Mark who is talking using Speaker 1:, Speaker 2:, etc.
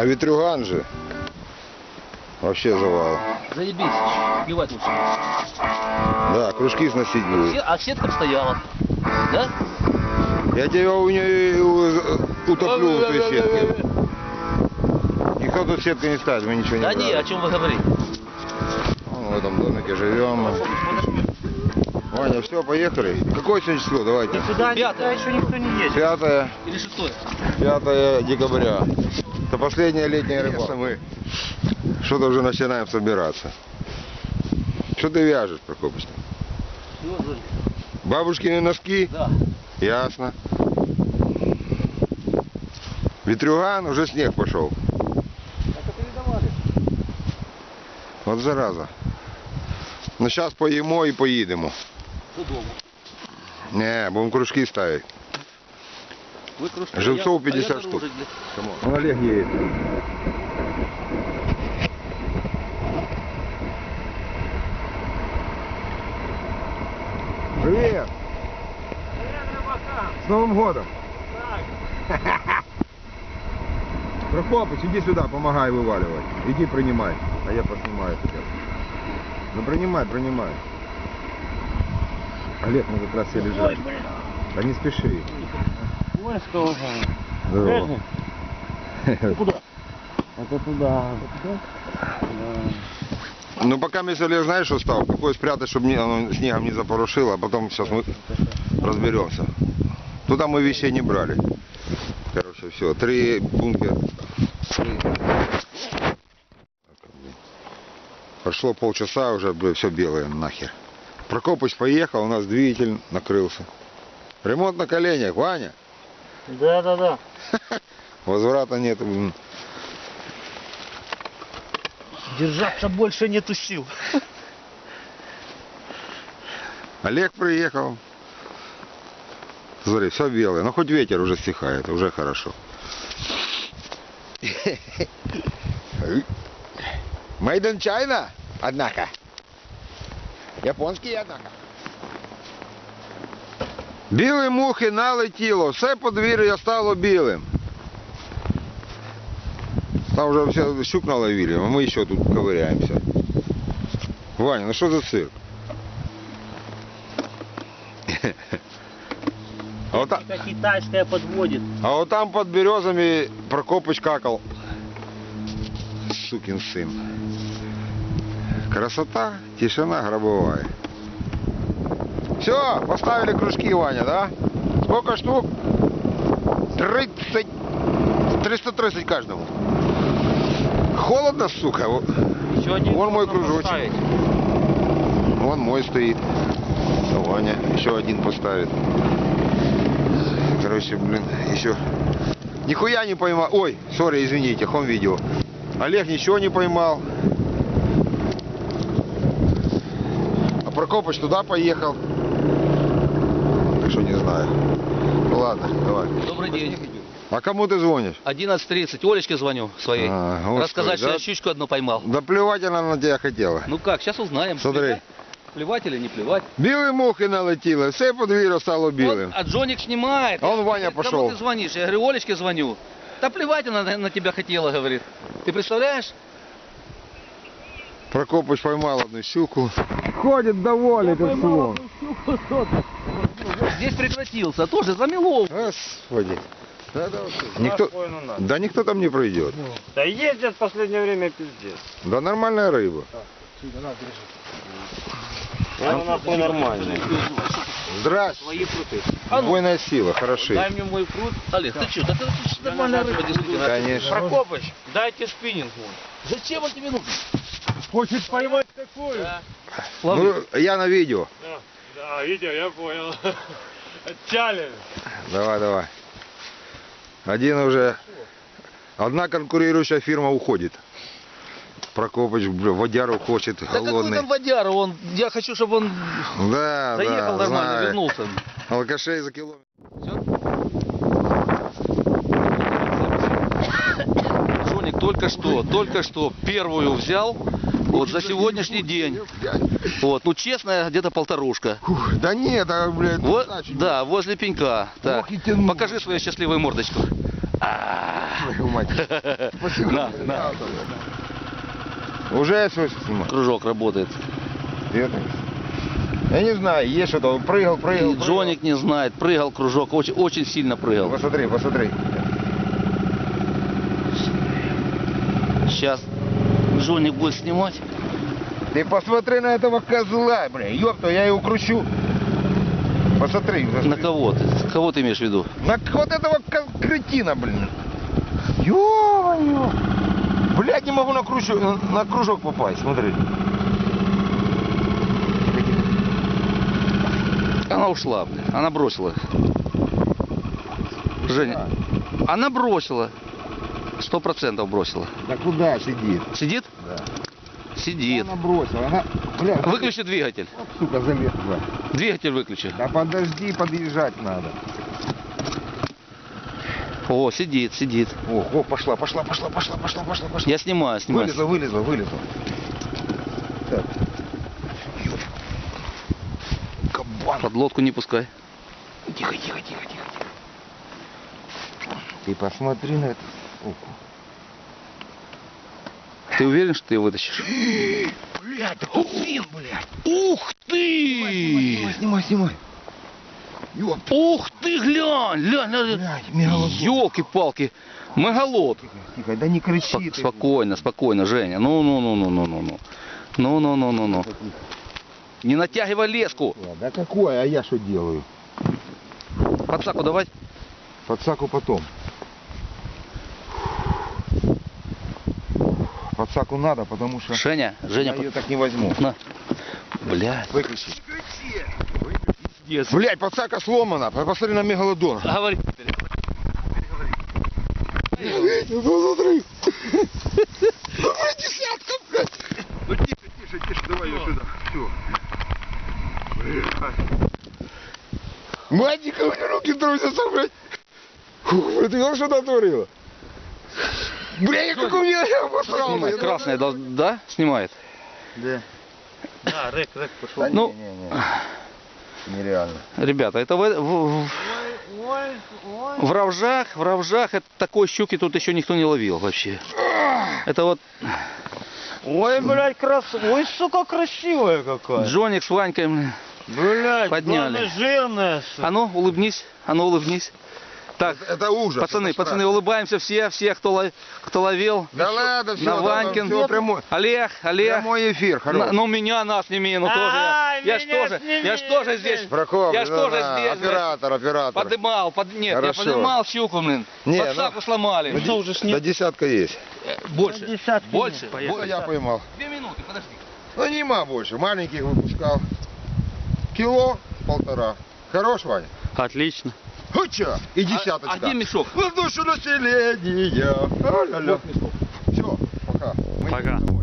Speaker 1: ветрюган же. Вообще завал.
Speaker 2: Заебись, плевать лучше.
Speaker 1: Да, кружки сносить будет.
Speaker 2: А сетка стояла, да?
Speaker 1: Я тебя у нее утоплю в той сетке. Никто тут сеткой не ставит, мы ничего не
Speaker 2: Да
Speaker 1: брали.
Speaker 2: не, о чем вы говорите?
Speaker 1: Вон в этом домике живем. Ваня, все, поехали. Какое сегодня число? Давайте.
Speaker 3: Сюда
Speaker 2: Пятое.
Speaker 3: еще никто не едет.
Speaker 1: 5
Speaker 2: Или шестое?
Speaker 1: 5 декабря. Это последняя летняя рыбалка. Мы что-то уже начинаем собираться. Что ты вяжешь, Прокопыч?
Speaker 2: Чего, Золь?
Speaker 1: Бабушкины носки?
Speaker 2: Да.
Speaker 1: Ясно. Ветрюган, уже снег пошел.
Speaker 2: Это передавали.
Speaker 1: Вот зараза. Ну сейчас поїмо і поїдемо.
Speaker 2: Додому.
Speaker 1: Не, будем кружки ставить.
Speaker 2: Вы кружки,
Speaker 1: Живцов
Speaker 2: а я
Speaker 1: 50
Speaker 2: наружу,
Speaker 1: штук.
Speaker 2: блядь.
Speaker 1: Он Олег едет. Привет! С Новым годом! Прокопыч, иди сюда, помогай вываливать. Иди принимай, а я поснимаю тебя. Ну принимай. Олег, мы как раз все лежали. Да не спеши.
Speaker 3: Ой, что уже.
Speaker 1: Здорово.
Speaker 3: Куда? Это туда.
Speaker 1: Ну пока Олег, знаешь, что стал? Какой спрятать, чтобы оно снегом не запорошило, а потом сейчас мы разберемся. Туда мы вещей не брали. Короче, все, 3 бункера. Прошло полчаса, уже все белое нахер. Прокопыч поехал, у нас двигатель накрылся. Ремонт на коленях, Ваня.
Speaker 3: Да.
Speaker 1: Возврата нет.
Speaker 3: Держаться больше нету сил.
Speaker 1: Олег приехал. Смотри, все белое. Но хоть ветер уже стихает, уже хорошо. Made in China, однако. Японський, однако. Білі мухи налетіло, все подвір'я стало білим. Там вже все щук наловили, а ми ще тут ковыряемся. Ваня, ну що за цирк? А вот,
Speaker 3: Это китайская подводит.
Speaker 1: а вот там под березами Прокопыч какал. Сукин сын. Красота, тишина гробовая. Все, поставили кружки, Ваня, да? Сколько штук? 30. 330 каждому. Холодно, сука.
Speaker 3: Еще один
Speaker 1: Вон мой
Speaker 3: можно
Speaker 1: кружочек.
Speaker 3: поставить.
Speaker 1: Вон мой стоит. Ваня еще один поставит. Короче, блин, еще. Нихуя не поймал. Ой, сори, извините, хом видео. Олег ничего не поймал. А Прокопыч туда поехал. Так что не знаю. Ну ладно, давай.
Speaker 2: Добрый день.
Speaker 1: А кому ты звонишь?
Speaker 2: 11:30. Олечке звоню своей.
Speaker 1: А, господи,
Speaker 2: Рассказать, что
Speaker 1: да?
Speaker 2: я щучку одну поймал.
Speaker 1: Да плевать она на тебя хотела.
Speaker 2: Ну как, сейчас узнаем.
Speaker 1: Смотри.
Speaker 2: Плевать или не плевать.
Speaker 1: Білі мухи налетіли, все подвір'я стало білим.
Speaker 2: А Джоник снимает.
Speaker 1: А он Ваня
Speaker 2: Кому
Speaker 1: пошел.
Speaker 2: ты звонишь? Я говорю, Олечке звоню. Да плевать она на тебя хотела, говорит. Ты представляешь?
Speaker 1: Прокопыч поймал одну щуку. Ходит доволен, как слон.
Speaker 2: Здесь прекратился, тоже замело.
Speaker 1: Господи. Да никто там не пройдет.
Speaker 3: Да ездят в последнее время пиздец.
Speaker 1: Да нормальная рыба.
Speaker 3: Она нахуй нормальная.
Speaker 1: Здрасте.
Speaker 3: Свои пруты.
Speaker 1: Убойная сила, хороши.
Speaker 3: Дай мне мой прут.
Speaker 2: Олег, ты что? Да это нормальная рыба, действительно.
Speaker 1: Конечно.
Speaker 3: Прокопыч, дайте спиннинг мой.
Speaker 2: Зачем он тебе нужен?
Speaker 3: Хочет поймать такую?
Speaker 2: Да.
Speaker 1: Ну, я на видео.
Speaker 3: Да, видео, я понял. Челлендж.
Speaker 1: Давай. Одна конкурирующая фирма уходит. Прокопыч, водяру хочет,
Speaker 2: Да какой
Speaker 1: голодный.
Speaker 2: там водяра? Я хочу, чтобы он
Speaker 1: Да,
Speaker 2: заехал
Speaker 1: да,
Speaker 2: нормально,
Speaker 1: знаю.
Speaker 2: вернулся.
Speaker 1: Алкашей за километр.
Speaker 2: Джоник только что первую взял. Вот за сегодняшний день. Вот, ну честно, где-то полторушка.
Speaker 1: Фух, да нет, блядь,
Speaker 2: Вот,
Speaker 1: значит,
Speaker 2: да, возле пенька. Так,
Speaker 1: Ох и тянул.
Speaker 2: покажи свою счастливую мордочку.
Speaker 1: Твою мать. Спасибо.
Speaker 2: На.
Speaker 1: Уже все снимаю.
Speaker 2: Кружок работает.
Speaker 1: Я не знаю, есть что-то. Он прыгал.
Speaker 2: И Джоник не знает, прыгал кружок, очень сильно прыгал.
Speaker 1: Посмотри.
Speaker 2: Сейчас Джоник будет снимать.
Speaker 1: Ты посмотри на этого козла, бля. Ёпта, я его кручу. Посмотри.
Speaker 2: На кого ты? Кого ты имеешь в виду?
Speaker 1: На вот этого кретина, блин. Ё-моё. Блядь, не могу на кружок попасть, смотри.
Speaker 2: Она ушла, блин. Она бросила. Женя. Она бросила. 100% бросила.
Speaker 1: Да куда сидит?
Speaker 2: Сидит?
Speaker 1: Да.
Speaker 2: Сидит.
Speaker 1: Она бросила, она... Бля,
Speaker 2: Выключи двигатель.
Speaker 1: вот, сука, залезла.
Speaker 2: Двигатель выключи.
Speaker 1: Да подожди, подъезжать надо.
Speaker 2: О, сидит.
Speaker 1: О, пошла.
Speaker 2: Я снимаю.
Speaker 1: Вылезла. Так. Кабан.
Speaker 2: Под лодку не пускай.
Speaker 1: Тихо. Ты посмотри на эту суку.
Speaker 2: Ты уверен, что ты ее вытащишь?
Speaker 1: Блядь, да кузин, блядь.
Speaker 2: Ух ты!
Speaker 1: Снимай. Ёп.
Speaker 2: Ух ты, глянь!
Speaker 1: Блядь, мегалодон.
Speaker 2: Ёлки-палки. Мегалод.
Speaker 1: Тихо, да не кричи ты.
Speaker 2: Спокойно, Женя. Ну. Не натягивай леску.
Speaker 1: Да какое, а я что делаю?
Speaker 2: Подсаку давай.
Speaker 1: Подсаку потом. Подсаку надо, потому что
Speaker 2: Женя,
Speaker 1: я ее так не возьму.
Speaker 2: На. Блядь.
Speaker 1: Выключи. Блядь, подсака сломана. Посмотри на мегалодон.
Speaker 2: Говори.
Speaker 1: Посмотри. Десятка, блядь. Ну тише, давай ее сюда. Все. Матика, у меня руки трусятся, блядь. Фух, ты видел, что натворила? Бля, как у меня я обосрал.
Speaker 2: Снимает. Красная, да? Снимает.
Speaker 3: Да, рэк пошел.
Speaker 2: Ну,
Speaker 1: Нереально.
Speaker 2: ребята, это в Равжах это такой щуки тут еще никто не ловил вообще. Это вот
Speaker 3: Ой, блядь, ой, сука, красивая какая.
Speaker 2: Джоник с Ванькой
Speaker 3: Блядь,
Speaker 2: подняли.
Speaker 3: главное, жирная, сука.
Speaker 2: А ну, улыбнись. Так,
Speaker 1: Это ужас.
Speaker 2: пацаны, улыбаемся все, кто ловил.
Speaker 1: Да ладно, все,
Speaker 2: На Ванькин.
Speaker 1: все, прямой.
Speaker 2: Олег.
Speaker 1: Прямой эфир, хорош.
Speaker 2: Ну меня нас сними, ну тоже. Я ж тоже здесь.
Speaker 1: Прокоп,
Speaker 2: Я ж тоже здесь.
Speaker 1: Оператор.
Speaker 2: Подымал, нет,
Speaker 1: Хорошо.
Speaker 2: я подымал щуку, блин.
Speaker 1: Не,
Speaker 2: Подсаку сломали.
Speaker 3: Ну, уже
Speaker 1: Да десятка есть.
Speaker 2: Больше.
Speaker 3: Десятки
Speaker 2: Больше.
Speaker 3: нет,
Speaker 1: Вот я поймал.
Speaker 2: 2 минуты, подожди.
Speaker 1: Ну нема больше, маленьких выпускал. Кило 1,5. Хорош, Ваня?
Speaker 3: Отлично.
Speaker 1: Хуча! И десяточка.
Speaker 2: А где мешок?
Speaker 1: На душу населения. Все, пока.
Speaker 3: Пока.